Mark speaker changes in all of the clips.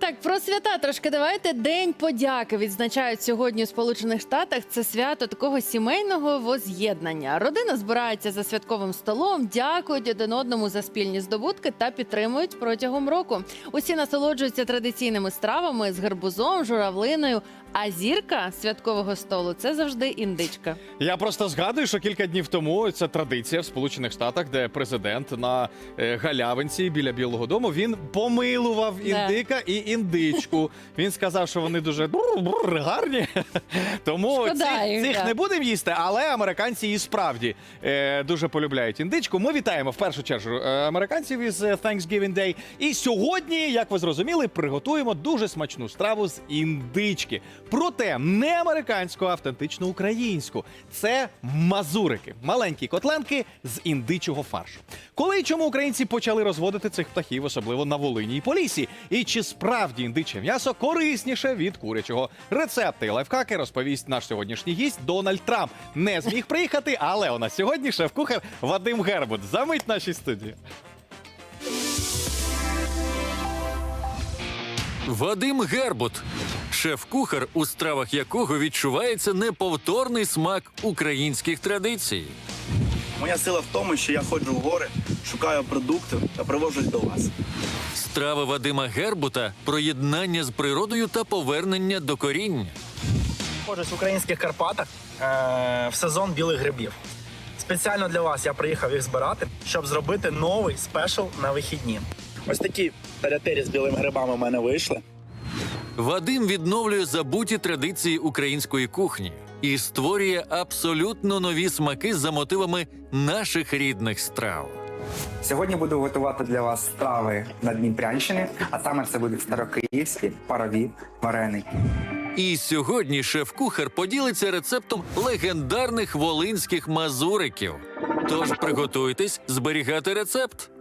Speaker 1: Так, про свята трошки давайте. День подяки відзначають сьогодні у Сполучених Штатах. Це свято такого сімейного воз'єднання. Родина збирається за святковим столом, дякують один одному за спільні здобутки та підтримують протягом року. Усі насолоджуються традиційними стравами з гарбузом, журавлиною. А зірка святкового столу – це завжди індичка.
Speaker 2: Я просто згадую, що кілька днів тому це традиція в Сполучених Штатах, де президент на галявинці біля Білого дому, він помилував індика і індичку. Він сказав, що вони дуже гарні, тому цих не будемо їсти, але американці і справді дуже полюбляють індичку. Ми вітаємо в першу чергу американців із Thanksgiving Day. І сьогодні, як ви зрозуміли, приготуємо дуже смачну страву з індички. Проте не американську, а автентично українську. Це мазурики. Маленькі котленки з індичого фаршу. Коли і чому українці почали розводити цих птахів, особливо на Волині і Поліссі? І чи справді індиче м'ясо корисніше від курячого? Рецепти і лайфхаки розповість наш сьогоднішній гість Дональд Трамп. Не зміг приїхати, але у нас сьогодні шеф-кухар Вадим Гербут. Замить в нашій студії.
Speaker 3: Вадим Гербут. Шеф-кухар, у стравах якого відчувається неповторний смак українських традицій.
Speaker 4: Моя сила в тому, що я ходжу в гори, шукаю продукти та привожу їх до вас.
Speaker 3: Страви Вадима Гербута – про єднання з природою та повернення до коріння.
Speaker 4: Ходжусь в українських Карпатах в сезон білих грибів. Спеціально для вас я приїхав їх збирати, щоб зробити новий спешл на вихідні. Ось такі тарятері з білими грибами в мене вийшли.
Speaker 3: Вадим відновлює забуті традиції української кухні і створює абсолютно нові смаки за мотивами наших рідних страв.
Speaker 5: Сьогодні буду готувати для вас страви на Дніпрянщині, а саме це будуть старокиївські парові вареники.
Speaker 3: І сьогодні шеф-кухар поділиться рецептом легендарних волинських мазуриків. Тож приготуйтесь зберігати рецепт.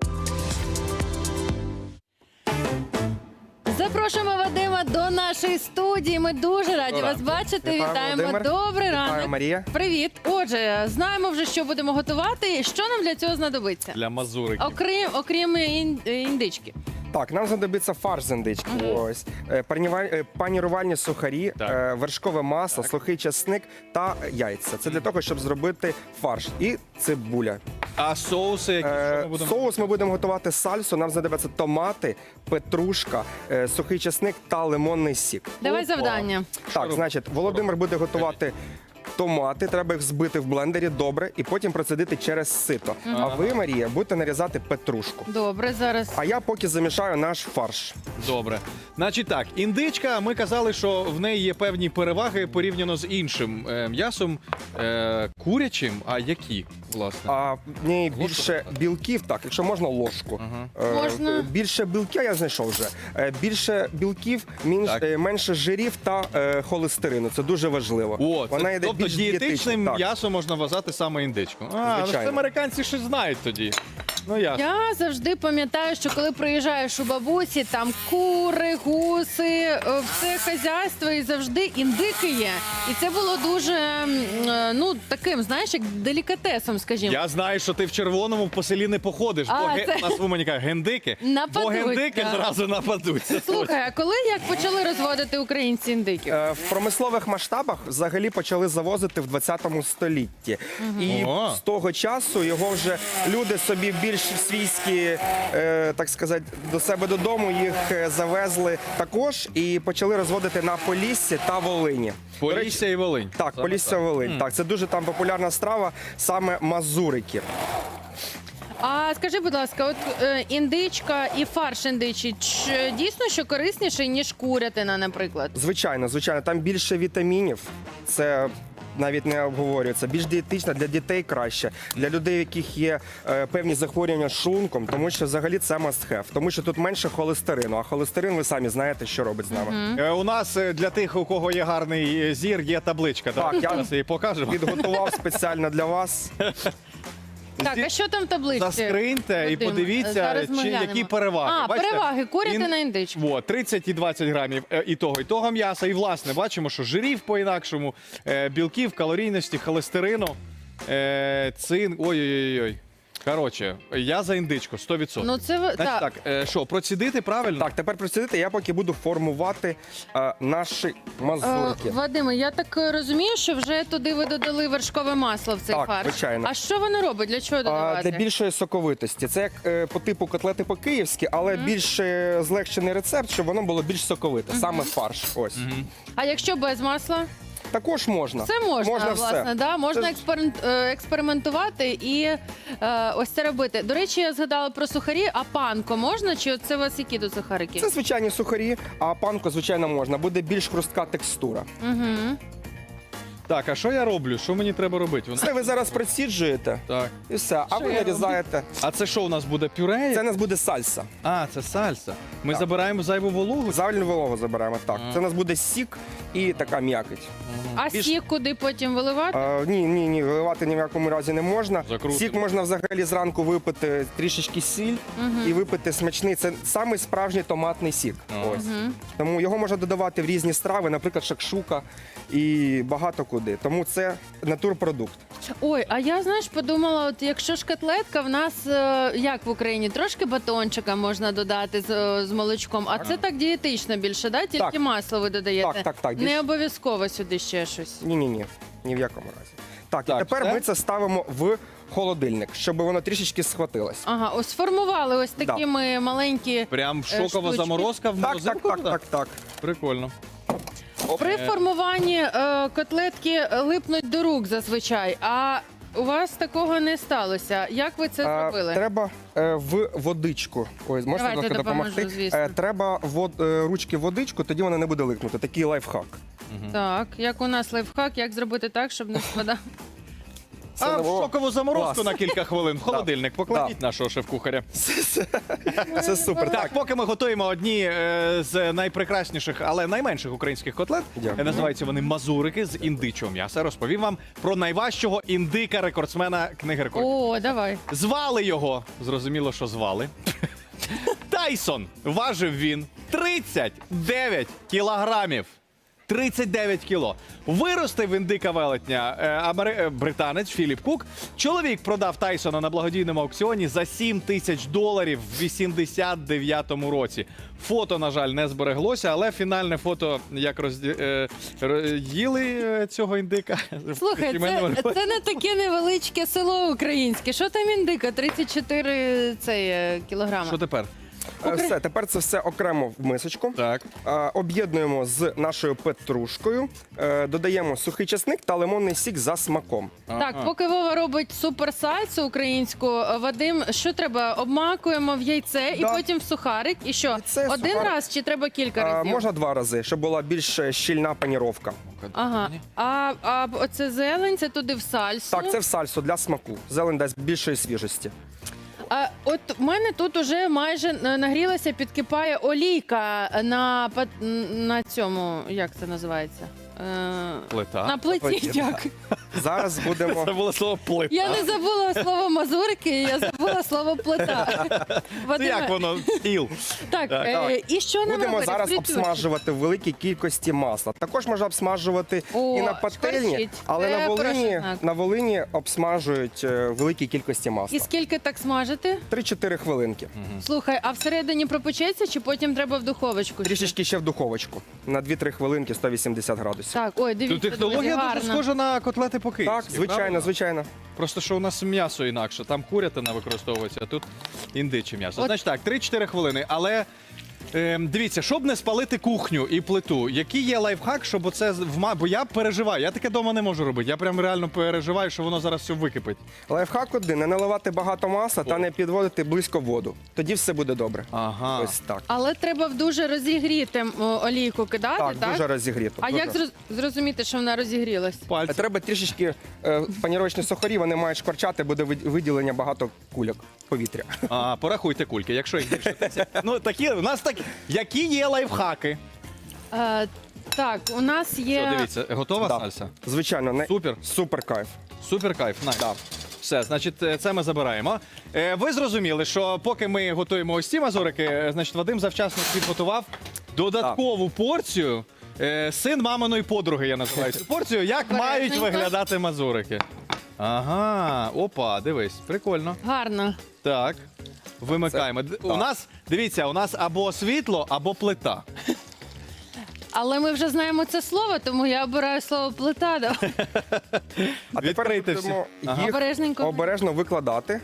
Speaker 1: Запрошуємо Вадима до нашої студії. Ми дуже раді вас бачити. Вітаємо.
Speaker 5: Володимир.
Speaker 1: Добрий ранок.
Speaker 5: Вітаю, Марія.
Speaker 1: Привіт. Отже, знаємо вже, що будемо готувати. Що нам для цього знадобиться?
Speaker 2: Для мазуриків.
Speaker 1: Окрім індички.
Speaker 5: Так, нам знадобиться фарш з індички. Ось панірувальні сухарі, вершкове масло, сухий часник та яйця. Це для того, щоб зробити фарш. І цибуля.
Speaker 2: А соуси, які що ми будемо?
Speaker 5: Соус ми будемо готувати сальсу. Нам знадобиться томати, петрушка, сухий часник та лимонний сік.
Speaker 1: Давай завдання.
Speaker 5: Так, значить, Володимир буде готувати томати, треба їх збити в блендері добре і потім процедити через сито. А ви, Марія, будете нарізати петрушку.
Speaker 1: Добре, зараз.
Speaker 5: А я поки замішаю наш фарш.
Speaker 2: Добре. Значить так, індичка, ми казали, що в неї є певні переваги порівняно з іншим м'ясом курячим. А які, власне?
Speaker 5: А в ній більше білків, так, якщо можна, ложку.
Speaker 1: Можна.
Speaker 5: Більше білків, я знайшов вже. Більше білків, менше жирів та холестерину. Це дуже важливо.
Speaker 2: О,
Speaker 5: Вона йде
Speaker 2: тобто
Speaker 5: більш
Speaker 2: дієтичним
Speaker 5: так.
Speaker 2: м'ясом можна вважати саме індичку. А, ну
Speaker 5: Звичайно.
Speaker 2: це американці щось знають тоді. Ну ясно.
Speaker 1: Я завжди пам'ятаю, що коли приїжджаєш у бабусі, там кури, гуси, все хазяйство і завжди індики є. І це було дуже, таким, знаєш, як делікатесом, скажімо.
Speaker 2: Я знаю, що ти в червоному по селі не походиш,
Speaker 1: А,
Speaker 2: бо
Speaker 1: це-
Speaker 2: у нас в Умані кажуть, гендики,
Speaker 1: Нападуть,
Speaker 2: бо гендики
Speaker 1: так.
Speaker 2: зразу нападуть.
Speaker 1: Слухай, а коли як почали розводити українці індиків?
Speaker 5: В промислових масштабах взагалі почали завозити в 20 столітті. І
Speaker 2: Ого.
Speaker 5: з того часу його вже люди собі більш свійські, так сказати, до себе додому їх завезли також і почали розводити на Поліссі та Волині. До речі,
Speaker 2: Полісся і Волинь.
Speaker 5: так,
Speaker 2: Саме
Speaker 5: Полісся, Волинь. Так, це дуже там популярна страва, саме мазурики.
Speaker 1: А скажи, будь ласка, от індичка і фарш індичий, дійсно, що корисніше, ніж курятина, наприклад?
Speaker 5: Звичайно, звичайно, там більше вітамінів. Це навіть не обговорюється. Більш дієтична, для дітей краще, для людей, у яких є певні захворювання з шлунком, тому що взагалі це must have, тому що тут менше холестерину, а холестерин, ви самі знаєте, що робить з нами.
Speaker 2: У нас для тих, у кого є гарний зір, є табличка.
Speaker 5: Так, я
Speaker 2: Зараз її покажемо.
Speaker 5: Підготував спеціально для вас.
Speaker 1: Так, а що там в табличці?
Speaker 2: Заскриньте і
Speaker 1: Вадим?
Speaker 2: подивіться,
Speaker 1: Зараз ми глянемо.
Speaker 2: які переваги.
Speaker 1: А,
Speaker 2: Бачите?
Speaker 1: переваги, курятина, індичка.
Speaker 2: Во, 30 і 20 грамів і того м'яса. І, власне, бачимо, що жирів по-інакшому, білків, калорійності, холестерину, цинк. Ой-ой-ой. Коротше, я за індичку, 100%.
Speaker 1: Ну це
Speaker 2: Значить
Speaker 1: так.
Speaker 2: так, що, процідити правильно?
Speaker 5: Так, тепер присидити, я поки буду формувати наші мазурки.
Speaker 1: Вадиме, я так розумію, що вже туди ви додали вершкове масло в цей
Speaker 5: Так,
Speaker 1: фарш.
Speaker 5: звичайно.
Speaker 1: А що воно робить? Для чого додавати?
Speaker 5: Для більшої соковитості. Це як по типу котлети по-київськи, але більш злегшений рецепт, щоб воно було більш соковите. Саме фарш. Ось.
Speaker 1: А якщо без масла?
Speaker 5: Також можна.
Speaker 1: Це можна, власне,
Speaker 5: все.
Speaker 1: да? Можна
Speaker 5: Це ж-
Speaker 1: експериментувати і ось це робити. До речі, я згадала про сухарі, а панко можна? Чи це у вас які тут сухарики?
Speaker 5: Це звичайні сухарі, а панко, звичайно, можна. Буде більш хрустка текстура.
Speaker 1: Угу.
Speaker 2: Так, а що я роблю? Що мені треба робити?
Speaker 5: Це ви зараз проціджуєте
Speaker 2: Так.
Speaker 5: і все. А
Speaker 1: Що
Speaker 5: ви
Speaker 1: я
Speaker 5: нарізаєте.
Speaker 2: А це що у нас буде, пюре?
Speaker 5: Це у нас буде сальса.
Speaker 2: А, це сальса. Ми
Speaker 5: Так.
Speaker 2: забираємо зайву вологу?
Speaker 5: Завальну вологу заберемо. Так. Це у нас буде сік і така м'якоть.
Speaker 1: А
Speaker 5: Більш-
Speaker 1: сік куди потім виливати?
Speaker 5: Ні, виливати ні в якому разі не можна.
Speaker 2: Закрутимо.
Speaker 5: Сік можна взагалі зранку випити трішечки сіль і випити смачний. Це самий справжній томатний сік.
Speaker 2: Ага.
Speaker 5: Ось. Тому його можна додавати в різні страви, наприклад, шакшука і багато куди. Тому це натурпродукт.
Speaker 1: Ой, а я, знаєш, подумала, от якщо ж котлетка, в нас як в Україні, трошки батончика можна додати з молочком, а це так дієтично більше, да? Тільки
Speaker 5: Так.
Speaker 1: масло ви додаєте.
Speaker 5: Так.
Speaker 1: Не обов'язково сюди ще щось.
Speaker 5: Ні, ні в якому разі. Так,
Speaker 2: Так,
Speaker 5: і тепер
Speaker 2: все?
Speaker 5: ми це ставимо в холодильник, щоб воно трішечки схватилось.
Speaker 1: Ага, ось сформували ось такі ми маленькі.
Speaker 2: Прям шокова
Speaker 1: штучки.
Speaker 2: заморозка в морозилку?
Speaker 5: Так.
Speaker 2: Прикольно.
Speaker 1: При формуванні котлетки липнуть до рук зазвичай, а у вас такого не сталося. Як ви це зробили?
Speaker 5: Треба в водичку. Ось, можна
Speaker 1: Давайте
Speaker 5: трохи
Speaker 1: допоможу,
Speaker 5: допомогти.
Speaker 1: звісно.
Speaker 5: Треба ручки в водичку, тоді вона не буде липнути. Такий лайфхак.
Speaker 1: Так, як у нас лайфхак, як зробити так, щоб не спадав.
Speaker 2: А
Speaker 5: не
Speaker 2: в
Speaker 5: було.
Speaker 2: шокову заморозку
Speaker 5: Клас.
Speaker 2: на кілька хвилин в холодильник. Покладіть нашого шеф-кухаря.
Speaker 5: Це супер.
Speaker 2: Так,
Speaker 5: Так,
Speaker 2: поки ми готуємо одні з найпрекрасніших, але найменших українських котлет,
Speaker 5: Дякую.
Speaker 2: називаються вони мазурики з індичого м'яса. Розповім вам про найважчого індика-рекордсмена книги рекордів.
Speaker 1: О, давай.
Speaker 2: Звали його, зрозуміло, що звали. Тайсон. Важив він 39 кілограмів. 39 кіло. Виростив індика велетня британець Філіп Кук. Чоловік продав Тайсона на благодійному аукціоні за $7,000 в 89-му році. Фото, на жаль, не збереглося, але фінальне фото, як їли цього індика.
Speaker 1: Слухай,
Speaker 2: Сімейному
Speaker 1: це не таке невеличке село українське. Що там індика? 34 кілограми.
Speaker 2: Що тепер?
Speaker 5: все, тепер це все окремо в мисочку.
Speaker 2: Так.
Speaker 5: Об'єднуємо з нашою петрушкою, додаємо сухий чесник та лимонний сік за смаком.
Speaker 1: Так, поки Вова робить суперсальсу українську, Вадим, що треба? Обмакуємо в яйце і
Speaker 5: Да.
Speaker 1: потім в сухарик. І що?
Speaker 5: Яйце,
Speaker 1: Один
Speaker 5: сухарик.
Speaker 1: раз чи треба кілька разів?
Speaker 5: Можна 2 рази, щоб була більш щільна паніровка.
Speaker 1: Ага. А оце зелень, це туди в сальсу.
Speaker 5: Так, це в сальсу для смаку. Зелень дасть більшої свіжості.
Speaker 1: А от в мене тут уже майже нагрілася, підкипає олійка на цьому, як це називається?
Speaker 2: Плита.
Speaker 1: На плиті.
Speaker 5: плиті,
Speaker 1: Дякую.
Speaker 5: Зараз будемо.
Speaker 2: Це було слово плита.
Speaker 1: Я не забула слово мазурики, я забула слово плита.
Speaker 2: Це
Speaker 1: Вадиме,
Speaker 2: як воно? Стіл.
Speaker 1: так,
Speaker 2: Так.
Speaker 1: і що нам
Speaker 5: Будемо
Speaker 1: робити?
Speaker 5: зараз
Speaker 1: Фритюрчик.
Speaker 5: обсмажувати в великій кількості масла. Також можна обсмажувати
Speaker 1: О,
Speaker 5: і на пательні,
Speaker 1: шкварчить.
Speaker 5: але
Speaker 1: Це хороший знак.
Speaker 5: на Волині обсмажують в великій кількості масла.
Speaker 1: І скільки так смажити?
Speaker 5: 3-4 хвилинки.
Speaker 1: Слухай, а всередині пропечеться чи потім треба в духовочку?
Speaker 5: Трішечки ще в духовочку. На 2-3 хвилинки 180 градусів.
Speaker 1: Так, ой, дивіться,
Speaker 2: Тут технологія
Speaker 1: друзі,
Speaker 2: дуже
Speaker 1: гарно.
Speaker 2: схожа на котлети по-київськи.
Speaker 5: Так, звичайно,
Speaker 2: правильно?
Speaker 5: звичайно.
Speaker 2: Просто що у нас м'ясо інакше. Там курятина використовується, а тут індиче м'ясо.
Speaker 1: От-
Speaker 2: Значить так, 3-4 хвилини. Але дивіться, щоб не спалити кухню і плиту, який є лайфхак, щоб оце бо я переживаю. Я таке вдома не можу робити. Я прям реально переживаю, що воно зараз все википить.
Speaker 5: Лайфхак один – не наливати багато масла та не підводити близько воду. Тоді все буде добре.
Speaker 2: Ага.
Speaker 5: Ось так.
Speaker 1: Але треба в дуже розігріти олійку кидати, так?
Speaker 5: Так, дуже розігріто.
Speaker 1: А
Speaker 5: дуже.
Speaker 1: як зрозуміти, що вона розігрілась?
Speaker 2: Пальці.
Speaker 5: Треба трішечки панірочні сухарі, вони мають шкварчати, буде виділення багато кульок повітря.
Speaker 2: Порахуйте кульки, якщо їх більше 10. Ну, такі, у нас такі. Які є лайфхаки?
Speaker 1: Так, у нас є...
Speaker 2: Що, дивіться, готова
Speaker 5: Да.
Speaker 2: сальса?
Speaker 5: Звичайно,
Speaker 2: Супер.
Speaker 5: Супер кайф.
Speaker 2: Супер кайф, найс.
Speaker 5: Да.
Speaker 2: Все, значить, це ми забираємо. Ви зрозуміли, що поки ми готуємо ось ці мазурики, значить, Вадим завчасно підготував додаткову порцію. Син маминої подруги, я називаю цю порцію. Як мають
Speaker 1: Коректненько.
Speaker 2: виглядати мазурики? Ага, опа, дивись, прикольно.
Speaker 1: Гарно.
Speaker 2: Так, вимикаємо. У нас, дивіться, у нас або світло, або плита.
Speaker 1: Але ми вже знаємо це слово, тому я обираю слово плита. Да?
Speaker 5: А тепер
Speaker 2: Відкрийте
Speaker 5: будемо
Speaker 2: всі.
Speaker 5: їх
Speaker 1: Обережненько.
Speaker 5: обережно викладати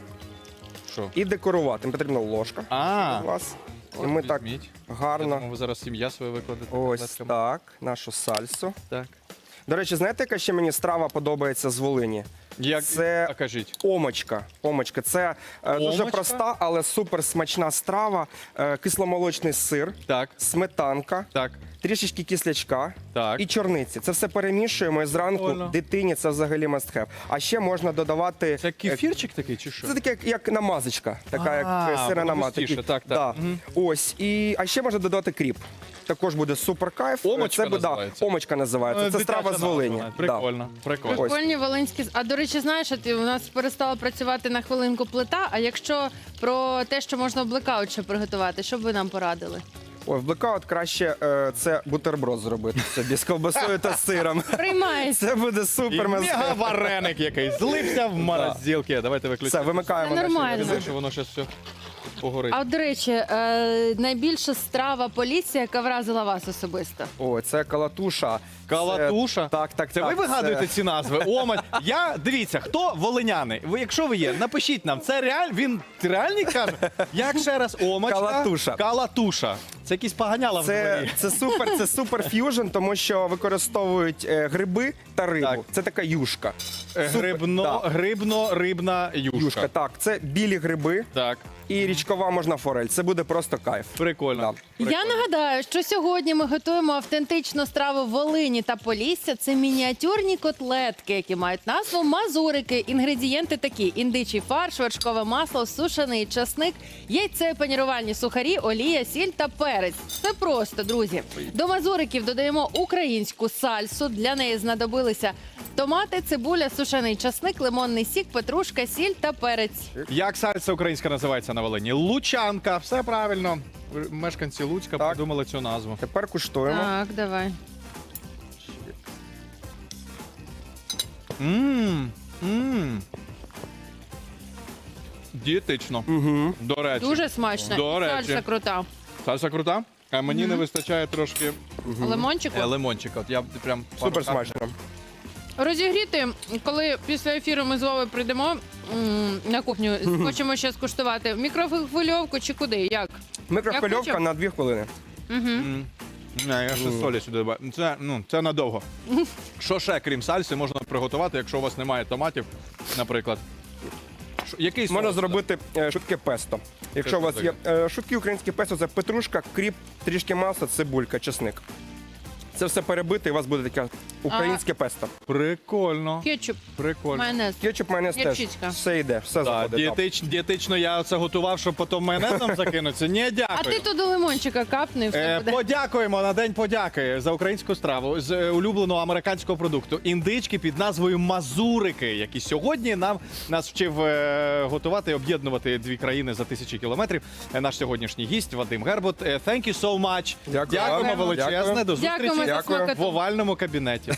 Speaker 2: Що?
Speaker 5: і декорувати. Їм потрібна ложка.
Speaker 2: А,
Speaker 5: У вас. І ми так
Speaker 2: візьміть. Я
Speaker 5: гарно.
Speaker 2: думав, ви зараз сім'я свою викладете.
Speaker 5: Ось
Speaker 2: котлетками.
Speaker 5: так, нашу сальсу.
Speaker 2: Так.
Speaker 5: До речі, знаєте, яка ще мені страва подобається з Волині?
Speaker 2: Як,
Speaker 5: Це
Speaker 2: а кажіть.
Speaker 5: омочка. Омочка. Це дуже
Speaker 2: Омочка?
Speaker 5: проста, але супер смачна страва. Кисломолочний сир,
Speaker 2: Так,
Speaker 5: сметанка,
Speaker 2: так,
Speaker 5: трішечки кислячка
Speaker 2: так.
Speaker 5: і чорниці. Це все перемішуємо і зранку
Speaker 2: Прикольно.
Speaker 5: дитині це взагалі must have. А ще можна додавати.
Speaker 2: Це кефірчик такий чи що?
Speaker 5: Це таке, як намазочка, така як сира намазка.
Speaker 2: густіше, так, так.
Speaker 5: Да.
Speaker 2: Мгм.
Speaker 5: Ось. А ще можна додати кріп. Також буде супер кайф.
Speaker 2: Омочка
Speaker 5: це буде,
Speaker 2: називається?
Speaker 5: омочка називається. Це
Speaker 2: Дитяча
Speaker 5: страва з
Speaker 2: назва,
Speaker 5: Волині.
Speaker 2: навіть.
Speaker 5: Да.
Speaker 2: Прикольно, прикольно.
Speaker 5: Ось.
Speaker 1: Прикольні волинські. А до речі, знаєш, у нас перестала працювати на хвилинку плита. А якщо про те, що можна в блекаут ще приготувати, що б ви нам порадили?
Speaker 5: Ой, в блекаут краще це бутерброд зробити собі з ковбасою та сиром.
Speaker 1: Приймається.
Speaker 5: Це буде
Speaker 2: І
Speaker 5: супер
Speaker 2: мега вареник якийсь. Злився в морозилки. Давайте
Speaker 5: Все,
Speaker 2: виключимо.
Speaker 5: вимикаємо.
Speaker 1: Це
Speaker 5: наші
Speaker 1: нормально.
Speaker 5: різини.
Speaker 2: Що воно зараз все погорить.
Speaker 1: А от, до речі, найбільша страва Полісся, яка вразила вас особисто.
Speaker 5: Ой, це калатуша.
Speaker 2: Калатуша?
Speaker 5: Так.
Speaker 2: Це ви вигадуєте ці назви? Омать. Дивіться, хто волиняни? Якщо ви є, напишіть нам. Це він реальний каже? Як ще раз? Омачка?
Speaker 5: Калатуша.
Speaker 2: Калатуша. Це якісь поганяла в дворі.
Speaker 5: Це супер ф'южн, тому що використовують гриби та рибу.
Speaker 2: Так.
Speaker 5: Це така юшка. Супер, да.
Speaker 2: Грибно-рибна юшка.
Speaker 5: Юшка, так. Це білі гриби
Speaker 2: Так,
Speaker 5: і річкова можна форель. Це буде просто кайф.
Speaker 2: прикольно.
Speaker 1: Я нагадаю, що сьогодні ми готуємо автентичну страву Волині та Полісся. Це мініатюрні котлетки, які мають назву мазурики. Інгредієнти такі: індичий фарш, вершкове масло, сушений часник, яйце, панірувальні сухарі, олія, сіль та перець. Все просто, друзі. До мазуриків додаємо українську сальсу. Для неї знадобилися томати, цибуля, сушений часник, лимонний сік, петрушка, сіль та перець.
Speaker 2: Як сальса українська називається на Волині? Лучанка. Все правильно. Мешканці Луцька
Speaker 5: Так.
Speaker 2: придумали цю назву.
Speaker 5: Тепер куштуємо.
Speaker 1: Так, давай.
Speaker 2: Мм. Дієтично.
Speaker 5: Угу.
Speaker 2: До речі.
Speaker 1: Дуже смачно.
Speaker 2: До речі.
Speaker 1: Сальса крута.
Speaker 2: Сальса крута? А мені не вистачає трошки
Speaker 1: Лимончику.
Speaker 2: лимончика. От я прям
Speaker 5: Супер смачно.
Speaker 1: Розігріти, коли після ефіру ми з Вовою прийдемо на кухню, хочемо ще скуштувати. В мікрохвильовку чи куди? Як? Як
Speaker 5: Микрохвильовка
Speaker 1: хочемо.
Speaker 5: на 2 хвилини.
Speaker 2: Не, я ще солі сюди добавлю. Це надовго. Що ще, крім сальси, можна приготувати, якщо у вас немає томатів, наприклад? Який
Speaker 5: Можна
Speaker 2: соус?
Speaker 5: зробити швидке песто. Якщо у вас є швидкі українські песто, це петрушка, кріп, трішки масла, цибулька, чесник. Це все перебите, і у вас буде таке українське песто.
Speaker 2: Прикольно.
Speaker 1: Кетчуп,
Speaker 2: Прикольно.
Speaker 1: майонез.
Speaker 5: Кетчуп, майонез теж.
Speaker 1: Гірчичка.
Speaker 5: Все йде, все
Speaker 2: Так,
Speaker 5: заходить. так.
Speaker 2: дієтично я це готував, щоб потім майонезом закинутися. Ні, дякую.
Speaker 1: А ти туди лимончика капни, і все буде.
Speaker 2: Подякуємо на День подяки за українську страву з улюбленого американського продукту. Індички під назвою мазурики, які сьогодні нас вчив готувати і об'єднувати дві країни за тисячі кілометрів. Наш сьогоднішній гість Вадим Гербут. Thank you so much.
Speaker 5: Дякую.
Speaker 2: Дякуємо
Speaker 5: Дякую.
Speaker 2: величезне. До зустрічі
Speaker 1: Дякуємо за
Speaker 5: Дякую.
Speaker 2: в
Speaker 1: смакоту.
Speaker 2: овальному кабінеті.